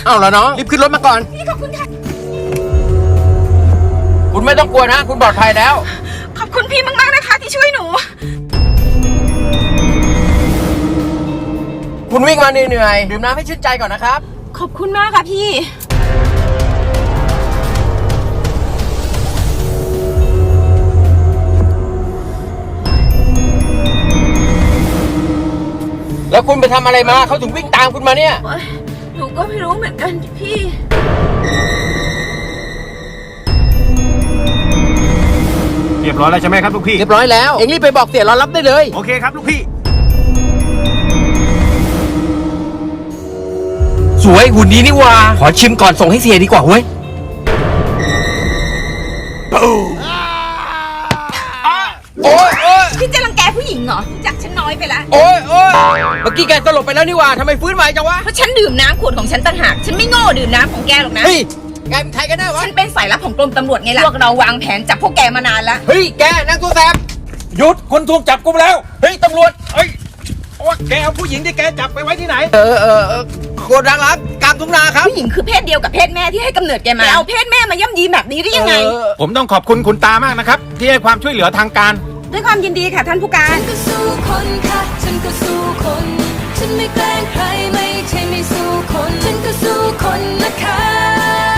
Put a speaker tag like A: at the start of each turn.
A: เอาละน้องรีบขึ้นรถมาก่อน
B: พี่ขอบคุณค่ะ
A: คุณไม่ต้องกลัวนะคุณปลอดภัยแล้ว
B: ขอบคุณพี่มากๆนะคะที่ช่วยหนู
A: คุณวิ่งมาเหนื่อยๆดื่มน้ำให้ชื่นใจก่อนนะครับ
B: ขอบคุณมากค่ะพี่
A: แล้วคุณไปทำอะไรมาเขาถึงวิ่งตามคุณมาเนี่ย
B: หนูก็ไม่รู้เหมือนกันพี่
C: เรียบร้อยแล้วใช่ไหมครับลูกพี่
A: เรียบร้อยแล้วเอ็งรีบไปบอกเสียรอรับได้เลย
C: โอเคครับลูกพี่
A: สวยหุ่นดีนี่ว่าขอชิมก่อนส่งให้เสียดีกว่าเว้ยโอ้ยโอ้ย
B: พี่จะรังแกผู้หญิงเหรอจักฉันน้อยไปละ
A: โอ้ยโอ้ยเมื่อกี้แกสลบไปแล้วนี่ว่าทำไมฟื้นไหวจังวะ
B: เพราะฉันดื่มน้ำขวดของฉันต่างหาก ฉันไม่โง่ดื่มน้ำของแกหรอกนะ
A: เฮ้ยแกเป็นใครกันแน่วะ
B: ฉันเป็นสายลับของกรมตำรวจไงล่ะ พวกเราวางแผนจับพวกแกมานานแล้ว
A: เฮ้ยแกนั่งตัวแสบ
C: หยุดคนถูกจับกุมแล้ว
A: เฮ้ยตำรวจ
C: เอ้ยโอ้แกเอาผู้หญิงที่แกจับไปไว้ที่ไหน
A: โคตรดังรักกลางทุ่งนาครับ
B: ผู้หญิงคือเพศเดียวกับเพศแม่ที่ให้กำเนิดแกมาเอาเพศแม่มาย่ำยีแบบนี้ได้ยังไง
C: ผมต้องขอบคุณคุณตามากนะครับ ที่ให้ความช่วยเหลือทางการ
B: ด้วยความยินดีค่ะท่านผู้การ
D: ฉันก็สู้คนค่ะฉันก็สู้คน ฉันไม่แกล้งใครไม่ใช่ไม่สู้คน ฉันก็สู้คนนะคะ